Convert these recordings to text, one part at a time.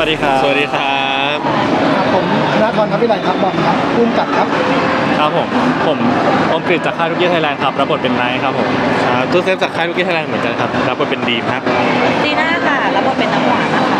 วัสดีครับสวัสดีครับผมธนทรครับวิไลครับบอลครับภูมิกับครับครับผมอมกฤษจากค่ายลูกกี้ไทยแลนด์ครับรับบทเป็นไนท์ครับผมครับตู้เซฟจากค่ายลูกกี้ไทยแลนด์เหมือนกันครับรับบทเป็นดีมครับจีน่าค่ะรับบทเป็นน้ำหวานนะคะ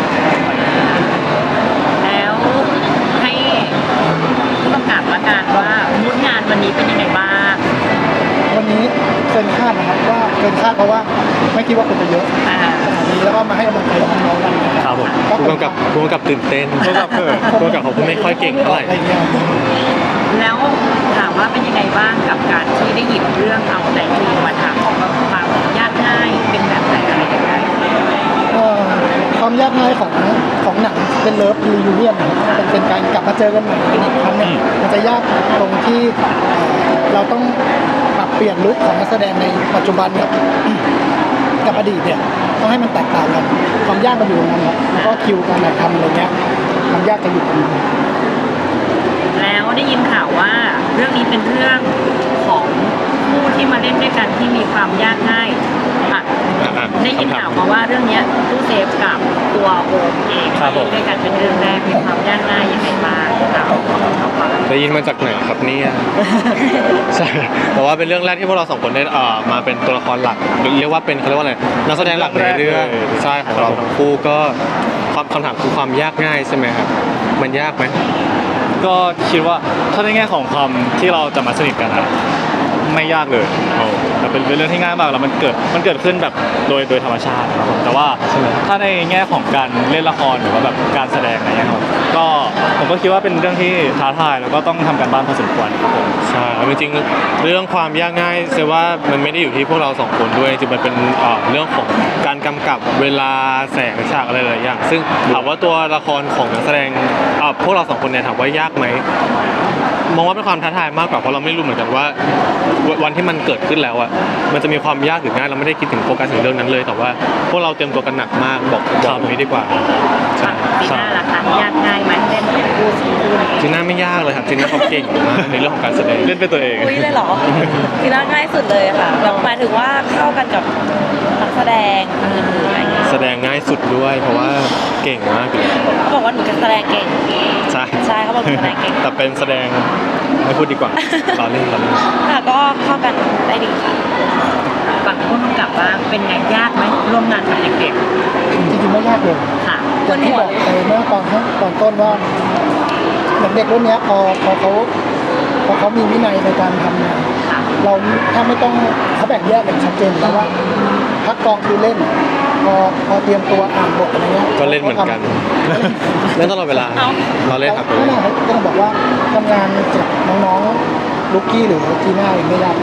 แล้วให้ผู้กำกับละกันว่ามูดงานวันนี้เป็นยังไงบ้างวันนี้เกินคาดนะครับว่าเกินคาดเพราะว่าไม่คิดว่าคนจะเยอะขนาดนี้แล้วก็มาให้กำลังใจน้องๆกันครับผมผู้กำกับตื่นเต้นผู้กำกับเขาไม่ค่อยเก่งเท่าไหร่อะไรเงี้ยแล้วถามว่าเป็นยังไงบ้างกับการที่ได้หยิบเรื่องเอาแต่จริงมาทำความยากง่ายเป็นแบบไหนอะไรยังไงความยากง่ายของหนังเป็นเลิฟรียูเนียนเป็นการกลับมาเจอกันใหม่กันอีกครั้งเนี่ยมันจะยากตรงที่เราต้องปรับเปลี่ยนลุคของนักแสดงในปัจจุบันกับอดีตเนี่ยต้องให้มันแตกต่างกันความยากมันอยู่ตรงนั้นครับแล้วก็คิวการถ่ายทำอะไรเงี้ยความยากจะอยู่ตรงนั้นแล้วได้ยินข่าวว่าเรื่องนี้เป็นเรื่องของผู้ที่มาเล่นด้วยกันที่มีความยากง่ายค่ะได้ยินข่าวมาว่าเรื่องนี้ตู้เซฟกับตัวโอมเองเล่นด้วยกันเป็นเรื่องแรกมีความยากง่ายยังไงบ้างเราฟังได้ยินมาจากไหนครับเนี่ยใช่แต่ว่าเป็นเรื่องแรกที่พวกเราสองคนได้มาเป็นตัวละครหลักเรียกว่าเป็นเขาเรียกว่าอะไรนักแสดงหลักในเรื่องใช่ของเราทั้งคู่ก็คำถามคือความยากง่ายใช่ไหมครับมันยากไหมก็คิดว่าถ้าในแง่ของความที่เราจะมาสนิทกันนะไม่ยากเลยแต่เป็นเรื่องที่ง่ายมากแล้วมันเกิดขึ้นแบบโดยธรรมชาติครับผมแต่ว่าถ้าในแง่ของการเล่นละครหรือว่าแบบการแสดงอะไรเงี้ยครับก็ผมก็คิดว่าเป็นเรื่องที่ท้าทายแล้วก็ต้องทำการบ้านพอสมควรครับผมใช่จริงๆเรื่องความยากง่ายเซว่ามันไม่ได้อยู่ที่พวกเราสองคนด้วยจริงๆมันเป็นเรื่องของการกำกับเวลาแสงฉากอะไรหลายอย่างซึ่งถามว่าตัวละครของนักแสดงพวกเราสองคนเนี่ยถามว่ายากไหมมองว่าเป็นความท้าทายมากกว่าเพราะเราไม่รู้เหมือนกันว่าวันที่มันเกิดขึ้นแล้วอ่ะมันจะมีความยากหรือง่ายเราไม่ได้คิดถึงโฟกัสถึงเรื่องนั้นเลยแต่ว่าพวกเราเตรียมตัวกันหนักมากบอกนี้ดีกว่าใช่จีน่าล่ะคะยากง่ายไหมเล่นกับคู่ซีคู่นี้จีน่าไม่ยากเลยครับจีน่าเขาเก่งมากในเรื่องของการแสดงเล่นเป็นตัวเองอุ้ยเลยเหรอจีน่าง่ายสุดเลยค่ะแบบหมายถึงว่าเข้ากันกับนักแสดงอื่นๆอะไรเงี้ยแสดงง่ายสุดด้วยเพราะว่าเก่งมากเลยเขาบอกว่าหนูจะแสดงเก่งใช่เขาบอกหนูแสดงเก่งแต่เป็นแสดงไม่พูดดีกว่าเราเล่นค่ะก็เข้ากันได้ดีค่ะฝั่งผู้กำกับว่าเป็นไงยากไหมร่วมงานกับเด็กจริงๆไม่ยากเลยๆค่ะอย่างที่บอกไปเมื่อตอนต้นว่าเด็กรุ่นนี้พอเขามีวินัยในการทำงานเราแทบไม่ต้องเขาแบ่งแยกกันชัดเจนแล้วว่าพักกองคือเล่นพอเตรียมตัวอ่านบทอะไรเงี้ยก็เล่นเหมือนกันเล่นตลอดเวลาเราเล่นครับนั่นแหละก็ต้องบอกว่าทำงานจากน้องๆลูกกี้หรือจีน่าไม่ยาก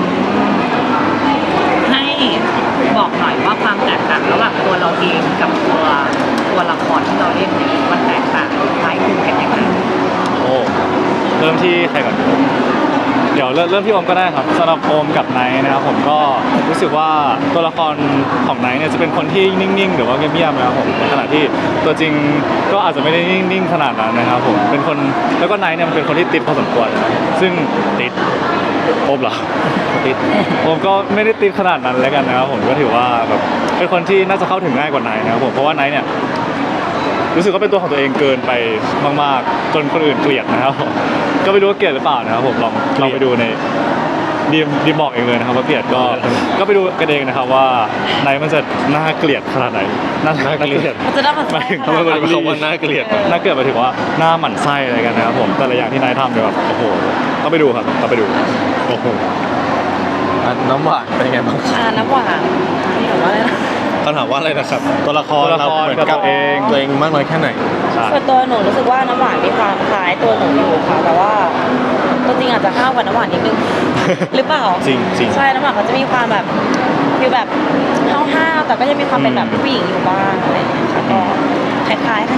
ให้บอกหน่อยว่าความแตกต่างระหว่างตัวเราเองกับตัวละครที่เราเล่นเนี่ยมันแตกต่างคล้ายคลึงกันยังไงโอ้เริ่มที่ใครก่อนเดี๋ยวเริ่มที่โอมก็ได้ครับสำหรับโอมกับไนท์นะครับผมก็รู้สึกว่าตัวละครของไนท์เนี่ยจะเป็นคนที่นิ่งๆหรือว่าเงียบๆนะครับผมในขณะที่ตัวจริงก็อาจจะไม่ได้นิ่งๆขนาดนั้นนะครับผมเป็นคนแล้วก็ไนท์เนี่ยมันเป็นคนที่ติดพอสมควรซึ่งติดโอมเหรอติดผมก็ไม่ได้ติดขนาดนั้นแล้วกันนะครับผมก็ถือว่าแบบเป็นคนที่น่าจะเข้าถึงง่ายกว่าไนท์นะครับผมเพราะว่าไนท์เนี่ยรู้สึกว่าเป็นตัวของตัวเองเกินไปมากๆจนคนอื่นเกลียดนะครับผมก็ไม่รู้ว่าเกลียดหรือเปล่านะครับผมลองไปดูในดีมบอกเองเลยนะครับว่าเกลียดก็ไปดูกันเองนะครับว่าไนท์มันจะน่าเกลียดขนาดไหนน่าเกลียดมันจะน่าหมั่นไส้ถึงคำว่าน่าเกลียดหมายถึงว่าหน้าหมั่นไส้อะไรกันนะครับผมแต่ละอย่างที่ไนท์ทำเนี่ยแบบโอ้โหต้องไปดูครับต้องไปดูโอ้โหน้ำหวานเป็นไงบ้างน้ำหวานนี่ถามว่าอะไรนะเขาถามว่าอะไรนะครับตัวละครเราเหมือนกับตัวเองมากน้อยแค่ไหนส่วนตัวหนูรู้สึกว่าน้ำหวานมีความคล้ายตัวหนูอยู่ค่ะแต่ว่าตัวจริงอาจจะห้าวกว่าน้ำหวานนิดนึงหรือเปล่าจริงใช่น้ำหวานเขาจะมีความแบบคือแบบห้าวๆแต่ก็จะมีความเป็นแบบผู้หญิงอยู่บ้างอะไรอย่างเงี้ยค่ะก็คล้าย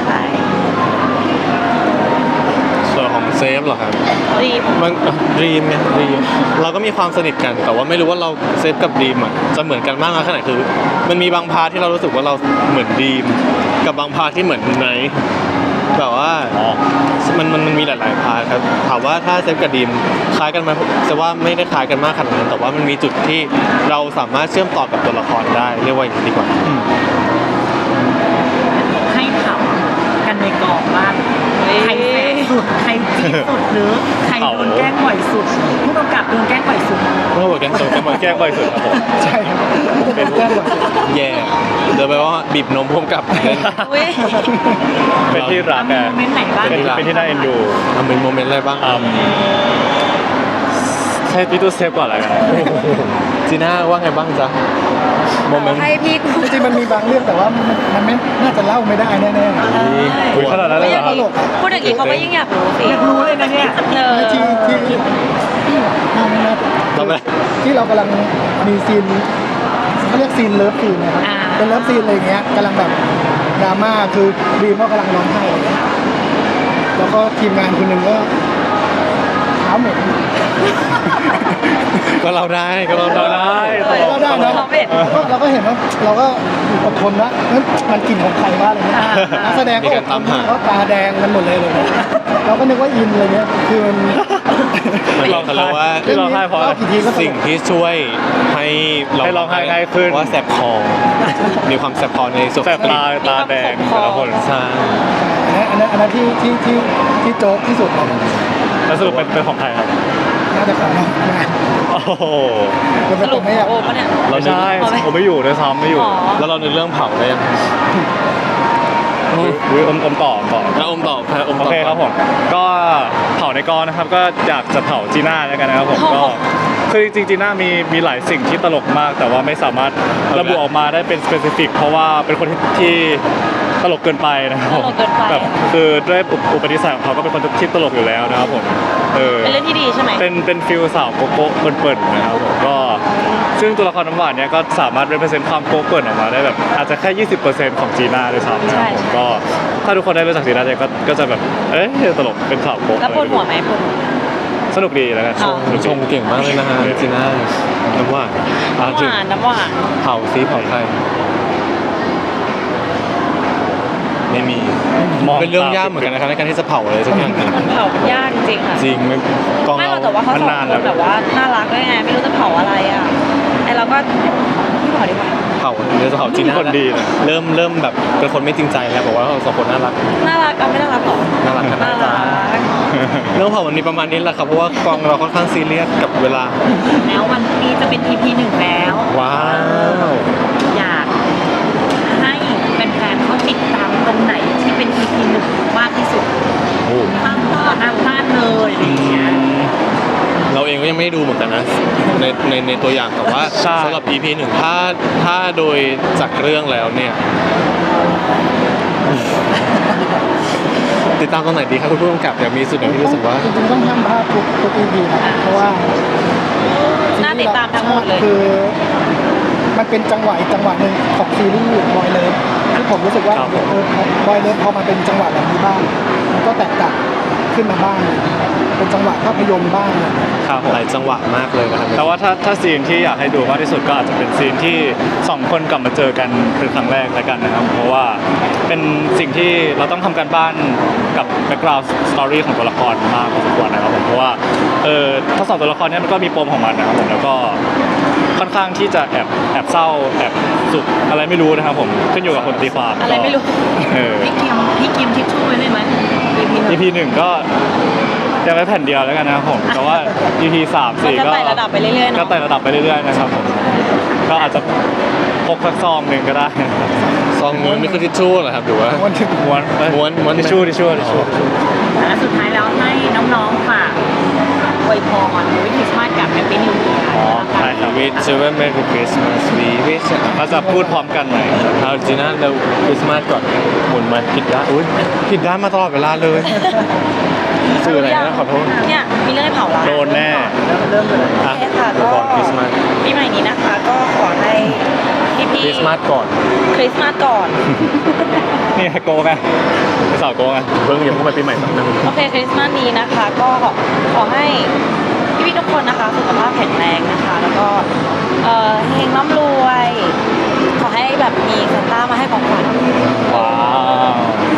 ส่วนของเซฟเหรอครับมันดีมไงดีมเราก็มีความสนิทกันแต่ว่าไม่รู้ว่าเราเซฟกับดีมอ่ะจะเหมือนกันมากน้อยแค่ไหนคือมันมีบางพาร์ทที่เรารู้สึกว่าเราเหมือนดีมกับบางพาร์ทที่เหมือนไนท์แบบว่ามันมีหลายๆพาร์ทครับถามว่าถ้าเซฟกับดีมคล้ายกันไหมจะว่าไม่ได้คล้ายกันมากขนาดนั้นแต่ว่ามันมีจุดที่เราสามารถเชื่อมต่อกับตัวละครได้เรียกว่าอย่างนี้ดีกว่าให้ถามกันในกองบ้างใครแสบสุดใครจี๊ดสุดหรือใครโดนแกล้งบ่อยสุดผู้กำกับโดนแกล้งบ่อยสุดเมื่อบอกกันตัวมาแกล้งบ่อยสุดครับผมใช่ครับเป็นแก้บ่อยแย่เดี๋ยวไปว่าบีบนมพ่วงกับเล่นอุ้ยเป็นที่รักมีอะโมเมนต์ไหนบ้างเป็นที่น่าเอ็นดูทำเป็นโมเมนต์อะไรบ้างให้พี่ตู้เซฟก่อนแล้วกันจีน่าว่าไงบ้างจ๊ะโมเมนต์ให้พี่กูจริงๆมันมีบางเรื่องแต่ว่ามันไม่น่าจะเล่าไม่ได้แน่ๆอุ๊ยขนาดนั้นเลยเหรอครับตลกอะพูดอย่างนี้เขาก็ยิ่งอยากรู้สิอยากรู้เลยนะเนี่ยเออที่ที่เรากำลังมีซีนเขาเรียกซีนเลิฟซีนนะครับเป็นเลิฟซีนอะไรอย่างเงี้ยกำลังแบบดราม่าคือบีมก็กำลังร้องไห้อะไรเงี้ยแล้วก็ทีมงานคนหนึ่งก็เท้าเหม็นก็เราได้ก็เราเราได้ได้ก็ได้นะเราก็เห็นว่าเราก็อดทนนะมันกลิ่นของใครวะอะไรเงี้ยนักแสดงก็อดทนเขาตาแดงกันหมดเลยเราก็นึกว่าอินอะไรเงี้ยคือมันมันบอกกันแล้วว่าที่ร้องไห้เพราะอะไรกี่ทีก็ตลกสิ่งที่ช่วยให้ให้ร้องไห้ง่ายขึ้นว่าแสบคอมีความแสบคอในส่วนแสบตาแดงแต่ละคนใช่อันนั้นที่โจ๊กที่สุดเลยแล้วสรุปเป็นของใครครับน่าจะของเราโอ้โหจะเป็นสรุตัปวไม่อยากโอ้ปะเนี่ยไม่ใช่ผมไม่อยู่ด้วยซ้ำไม่อยู่อ๋อแล้วเราในเรื่องเผาได้ยังอุ้ยอมต่อแล้วอมตอบครับอมโอตอบเคครับผมก็เผาในกองนะครับก็อยากจะเผาจีน่าแล้วกันนะครับผมก็คือจริงๆจีน่ามีหลายสิ่งที่ตลกมาก แต่ว่าไม่สามารถระบุออกมาได้เป็นสเปซิฟิกเพราะว่าเป็นคนที่ตลกเกินไปนะครับผมตลกเกินไปแบบคือด้วยอุปนิสัยของเขาก็เป็นคนที่ตลกอยู่แล้วนะครับผมเป็นเรื่องที่ดีใช่ไหมเป็นฟิลสาวโกโก้เปิ่นๆนะครับผมก็ซึ่งตัวละครน้ำหวานเนี่ยก็สามารถ represent ความโกโก้เปิ่นออกมาได้แบบอาจจะแค่ 20%ของจีน่าด้วยซ้ำนะครับผมก็ถ้าทุกคนได้รู้จักจีน่าเนี่ยก็จะแบบเอ๊ะตลกเป็นสาวโกแล้วปวดหัวไหมปวดหัวสนุกดีแล้วกันอ๋อชมเก่งมากเลยนะฮะจีน่าน้ำหวานน้ำหถึงวานน้ำหวานเผาซีเผาใครไม่มีมองเป็นเรื่องยากเหมือนกันนะครับในการที่จะเผาอะไรสักอย่างหนึ่งมันเผายากจริงๆค่ะจริงไม่กองไม่หรเราอกแต่ว่าเขาสองมันนานคแล้วนแบบว่าน่ารักด้วยไงไม่รู้จะเผาอะไรอ่ะไอเราก็พี่เผาดีกว่าเผาเดี๋ยวจะเผาจีน่าคนดีเลยเริ่มแบบเป็นคนไม่จริงใจแล้วบอกว่าเราสองคนน่ารักน่ารักเอาไม่น่ารักหรอน่ารักกันน่านะจ๊ะรักเรื่องเผาวันนี้ประมาณนี้แหละครับเพราะว่ากองเราค่อนข้างซีเรียสกับเวลาแล้ววันนี้จะเป็น EP 1 แล้วว้าวอยากให้แฟนๆเขาติดตามตรงไหนที่เป็น EP 1 มากที่สุดโอ้ห้ามพลาดเลยอะไรอย่างเงี้ยเราเองก็ยังไม่ได้ดูเหมือนกันนะในตัวอย่างแต่ว่าใช่สำหรับ EP หนึ่งถ้าโดยจากเรื่องแล้วเนี่ย ติดตามตรงไหนดีครับคุณผู้กำกับอยากมีสุดไหนที่รู้สึกว่าจริงๆต้องห้ามพลาดทุก EP นะเพราะว่าน่าติดตามทั้งหมดเลยคือมันเป็นจังหวะอีกจังหวะหนึ่งของซีรีส์บอยเลิฟที่ผมรู้สึกว่าครับบอยเลิฟพอมาเป็นจังหวะแบบนี้บ้างมันก็แตกต่างขึ้นมาบ้างเป็นจังหวะภาพยนตร์บ้างครับผมหลายจังหวะมากเลยนะครับแต่ว่าถ้าซีนที่อยากให้ดูมากที่สุดก็อาจจะเป็นซีนที่สองคนกลับมาเจอกันเป็นครั้งแรกแล้วกันนะครับ เพราะว่าเป็นสิ่งที่เราต้องทำการบ้านกับ background story ของตัวละครมากพอสมควรนะครับผมเพราะว่าทั้งสองตัวละครเนี้มันก็มีปมของมันนะครับผมแล้วก็ค่อนข้างที่จะแอบเศร้าแอบสุขอะไรไม่รู้นะครับผมขึ้นอยู่กับคนตีความอะไรไม่รู้พี่กิมทิชชู่ไว้เลยไหม EP 1 EP หนึ่งก็ยังไม่แผ่นเดียวแล้วกันนะครับผมแต่ว่า EP 3 4 ก็ก็ไต่ระดับไปเรื่อยๆเนอะก็ไต่ระดับไปเรื่อยๆนะครับผมก็อาจจะพกสักซองหนึ่งก็ได้ซองม้วนนี่คือทิชชู่เหรอครับหรือว่าวันที่ม้วนเอ้ยม้วนทิชชู่ทิชชู่ทิชชู่และสุดท้ายแล้วให้น้องๆฝากอวยพรวิคริสต์มาสกับแฮปปี้นิวเยียร์อ๋อใช่ครับวิชเวอร์เมรีคริสต์มาสวีวิชเราจะพูดพร้อมกันหน่อยเอาจีน่าเราคริสต์มาสก่อนหมุนมาผิดด้านอุ้ยผิดด้านมาตลอดเวลาเลยสื่ออะไรนะขอโทษเนี่ยมีเรื่องให้เผาละโดนแน่เริ่มเลยโอเคค่ะก็ก่อนคริสต์มาสปีใหม่นี้นะคะ ก็ขอให้พี่คริสต์มาสก่อนคริสต์มาสก่อนนี่โกงไงเป็นสาวโกงไงเพิ่งยังเพิ่งไปปีใหม่สักนึงโอเคคริสต์มาสนี้นะคะ ก็ขอให้พี่ๆทุกคนนะคะสุขภาพแข็งแรงนะคะ แล้วก็เฮงร่ำรวย ขอให้แบบมีซานต้ามาให้ของขวัญว้าว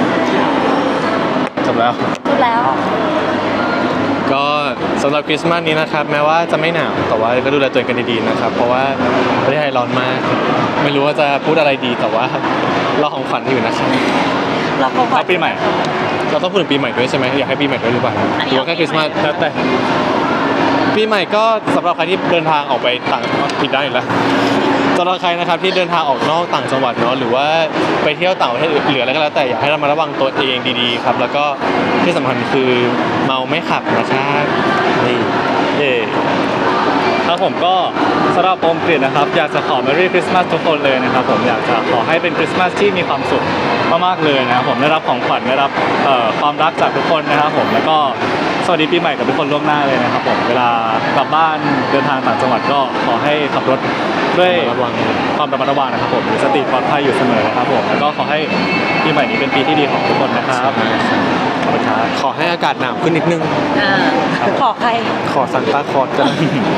จบแล้วพูดแล้วก็สำหรับคริสต์มาสนี้นะครับ แม้ว่าจะไม่หนาวแต่ว่าก็ดูแลตัวเองกันดีๆนะครับ เพราะว่าประเทศไทยร้อนมาก ไม่รู้ว่าจะพูดอะไรดีแต่ว่าเราของขวัญอยู่นะครับเราขอแล้วปีใหม่เราต้องพูดถึงปีใหม่ด้วยใช่ไหมอยากให้ปีใหม่ด้วยหรือเปล่าหรือว่าแค่คริสต์มาสแล้วแต่ปีใหม่ก็สำหรับใครที่เดินทางออกไปต่างผิดได้านอีกแล้วสำหรับใครนะครับที่เดินทางออกนอกต่างจังหวัดเนาะหรือว่าไปเที่ยวต่างประเทศหรืออะไรก็แล้วแต่อยากให้เรามาระวังตัวเองดีๆครับแล้วก็ที่สำคัญคือเมาไม่ขับนะครับนี่เย่ครับผมก็สำหรับโอมกฤษนะครับอยากจะขอ Merry Christmas ทุกคนเลยนะครับผมอยากจะขอให้เป็นคริสต์มาสที่มีความสุขมากๆเลยนะครับผมได้รับของขวัญได้รับความรักจากทุกคนนะครับผมแล้วก็สวัสดีปีใหม่กับทุกคนล่วงหน้าเลยนะครับผมเวลากลับบ้านเดินทางต่างจังหวัดก็ขอให้ขับรถด้วยระวังความระมัดระวังนะครับผมมีสติปลอดภัยอยู่เสมอนะครับผมแล้วก็ขอให้ปีใหม่นี้เป็นปีที่ดีของทุกคนนะครับขอบคุณครับขอให้อากาศหนาวขึ้นนิดนึงขอใครขอซันต้าคลอสกัน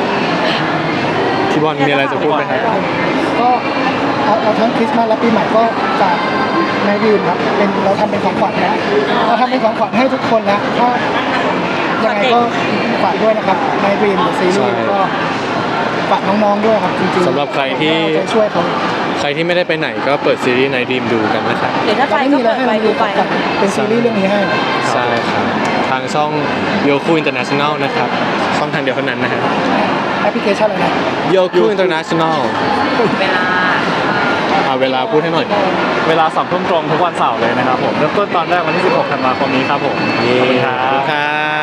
พี่บอลมีอะไรจะพูดไหมครับก็เอาทั้งคริสต์มาสและปีใหม่ก็จากนายดีนครับเป็นเราทำเป็นของขวัญนะเราทำเป็นของขวัญให้ทุกคนนะถ้ายังไงก็ฝากด้วยนะครับนายดีนซีรีส์ก็ฝากน้องๆด้วยครับจริงๆสำหรับใครที่เอาใจช่วยเขาใครที่ไม่ได้ไปไหนก็เปิดซีรีส์ในดีมดูกันนะครับหรือถ้าไปไม่ก็มีอะไรเปิดให้ไปเราดูดูไปกันเป็นซีรีส์เรื่องนี้ให้ใช่ครับทางช่องโยคูอินเตอร์เนชั่นแนลนะครับช่องทางเดียวเท่านั้นนะฮะแอปพลิเคชันอะไรนะโยคูอินเตอร์เนชั่นแนลเวลาเวลาพูดให้หน่อยเวลา2 ทุ่มตรงทุกวันเสาร์เลยนะครับผมเริ่มต้นตอนแรกวันที่ 16 ธันวาคมนี้ครับผมเย้ขอบคุณครับครับ